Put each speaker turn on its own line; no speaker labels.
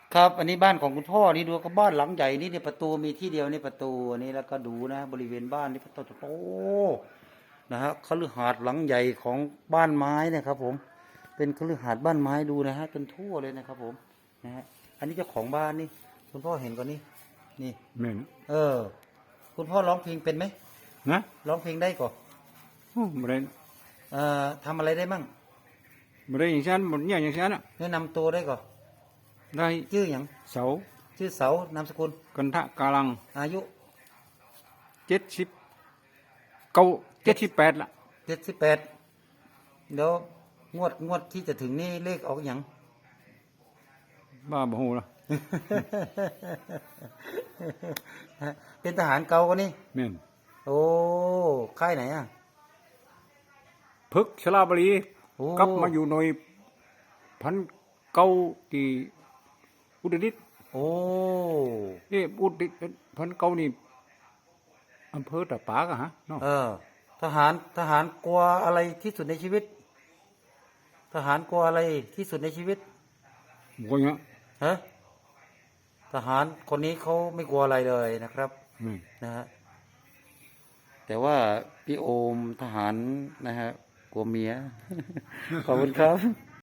ครับอันนี้บ้านของคุณพ่อนี่ดูก็บ้านหลังใหญ่นี่เนี่ยประตูมีที่เดียวนี่ประตูนี่แล้วก็ดูนะบริเวณบ้านนี่ประตูโตนะฮะคฤหาสน์หลังใหญ่ของบ้านไม้นะครับผมเป็นคฤหาสน์บ้านไม้ดูนะฮะจนทั่วเลยนะครับผมนะฮะอันนี้เจ้าของบ้านนี่คุณพ่อเห็นก่อนนี่นี่
แม่น
เออคุณพ่อร้องเพลงเป็นไหม
นะ
ร้องเพลงได้ก่อน
โอ้บ่ได้
ทำอะไรได้มั่ง
บ่ได้อย่างฉันบ่เนี่ยอย่างฉันอ่ะ
แนะนำตัวได้ก่อน
ได้
ชื่ออย่าง
เสา
ชื่อเสานามสกุล
กันทะกาลัง
อายุ
78ละ
78เดี๋ยวงวดที่จะถึงนี่เลขออกอย่าง
บ้าบ่ฮู้ล่ะ
เป็นทหารเก่าก็นี่
แม่น
โอ้ค่ายไหนอ่ะ
พึกษ์ชลาบรี
โอ้
กลับมาอยู่หน่วยพันเก้าที่อุตรดิตถ์
โอ้
อุตรดิตถ์พันเก้านี่อำเภอตะปากอะฮะเนาะ
ทหารกลัวอะไรที่สุดในชีวิตทหารกลัวอะไรที่สุดในชีวิต
บ่เนี่ย
ฮะทหารคนนี้เขาไม่กลัวอะไรเลยนะครับนะฮะแต่ว่าพี่โอมทหารนะฮะกลัวเมีย ขอบคุณครับ